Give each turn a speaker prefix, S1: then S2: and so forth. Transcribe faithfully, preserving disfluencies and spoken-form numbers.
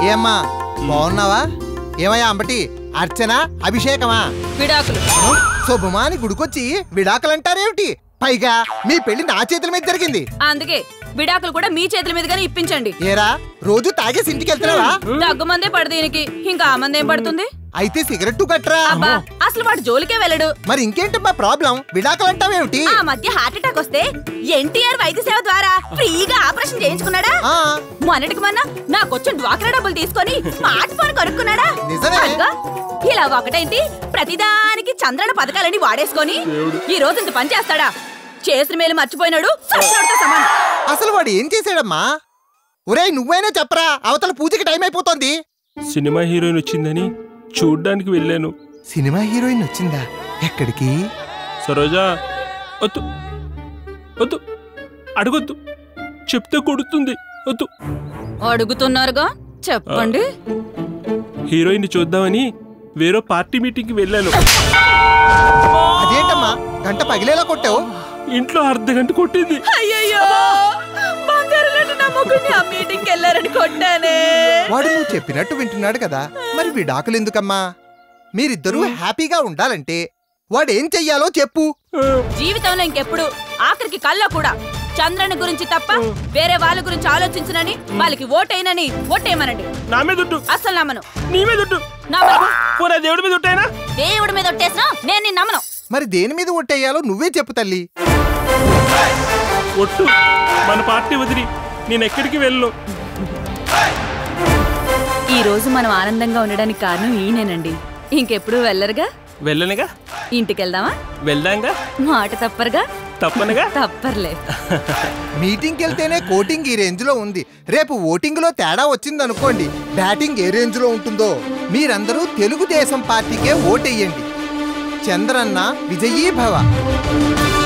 S1: ఏమ్మా బాగున్నావా? ఏమయ్యా అంబటి, అర్చన, అభిషేకమా?
S2: విడాకులు.
S1: శుభమాని గుడికొచ్చి విడాకులంటారేమిటి? పైగా మీ పెళ్లి నా చేతుల మీద జరిగింది.
S2: అందుకే విడాకులు కూడా మీ చేతుల మీదుగానే ఇప్పించండి.
S1: ఏరా రోజు తాగేసి ఇంటికి వెళ్తున్నావా?
S2: దగ్గు మందే పడదు దీనికి, ఇంకా ఆ మంది ఏం పడుతుంది?
S1: అయితే సిగరెట్టు కట్టరా.
S2: అబ్బా అసలు వాడు జోలికే వెళ్ళడు.
S1: మరి ఇంకేంటి మా ప్రాబ్లం? విడాకులంటావేమిటి?
S2: ఆ మధ్య హార్ట్ అటాక్ వస్తే ఎన్టీఆర్ వైద్య సేవ ద్వారా ఫ్రీగా ఆపరేషన్ చేయించుకున్నాడా? మొన్నటికి మొన్న నాకొచ్చిన డ్వాక్రా డబ్బులు తీసుకొని స్మార్ట్ ఫోన్ కొనుక్కున్నాడా?
S1: నిజమే.
S2: ఇలా ఒకటైంది ప్రతిదానికి చంద్రన పథకాలని వాడేసుకొని ఈ రోజు ఇంత పని చేస్తాడా? చేసిన మేలు మర్చిపోయినాడు. సమానం.
S1: అసలు వాడు ఏం చేశాడమ్మా? ఒరేయ్ నువ్వైనా చెప్పరా, అవతల పూజకి టైం అయిపోతుంది.
S3: సినిమా హీరోయిన్ వచ్చిందని చూడ్డానికి వెళ్ళాను.
S1: సినిమా హీరోయిన్ వచ్చిందా? ఎక్కడికి?
S3: సరోజా వద్దు వద్దు అడగొద్దు, చెప్తే కొడుతుంది. వద్దు.
S2: అడుగుతున్నారుగా చెప్పండి.
S3: హీరోయిన్ చూద్దామని వేరే పార్టీ మీటింగ్ కి వెళ్ళాను.
S1: అదేంటమ్మా గంట పగిలేలా కొట్టావు?
S3: ఇంట్లో అర్ధ గంట కొట్టింది.
S2: అయ్యయ్యో బంగారు లాంటి నా మొగుడిని ఆ మీటింగ్ కి వెళ్ళారని కొట్టానే.
S1: వాడు నువ్వు చెప్పినట్టు వింటున్నాడు కదా, మరి విడాకులు ఎందుకమ్మా? మీరిద్దరూ హ్యాపీగా ఉండాలంటే వాడేం చెయ్యాలో చెప్పు.
S2: జీవితంలో ఇంకెప్పుడు ఆఖరికి కల్లో కూడా చంద్రన్ గురించి తప్ప వేరే వాళ్ళ గురించి ఆలోచించనని, వాళ్ళకి ఓటైనని ఓటేయమనండి.
S3: నా మీద ఒట్టు.
S2: అసలు నమ్మను.
S3: నీ మీద ఒట్టు. దేవుడి మీద ఒట్టేనా?
S2: దేవుడి మీద ఒట్టేసినా నేను నిన్ను నమ్మను.
S1: మరి దేని మీద ఒట్టేయాలో నువ్వే చెప్పు తల్లి.
S3: ఒట్టు. మన పార్టీ వదిలి నేను ఎక్కడికి వెళ్ళను.
S2: ఈ రోజు మనం ఆనందంగా ఉండడానికి కారణం ఈయనేనండి. ఇంకెప్పుడు వెళ్ళరుగా?
S3: వెళ్ళనుగా.
S2: ఇంటికి వెళ్దామా?
S3: వెళ్దాంగా.
S2: మాట తప్పరుగా?
S3: తప్పనుగా.
S2: తప్పర్లే.
S1: మీటింగ్కి వెళ్తేనే కోటింగ్ ఈ రేంజ్ లో ఉంది. రేపు ఓటింగ్ లో తేడా వచ్చిందనుకోండి, బ్యాటింగ్ ఏ రేంజ్ లో ఉంటుందో. మీరందరూ తెలుగుదేశం పార్టీకే ఓటెయ్యండి. చంద్రన్న విజయీ భవ.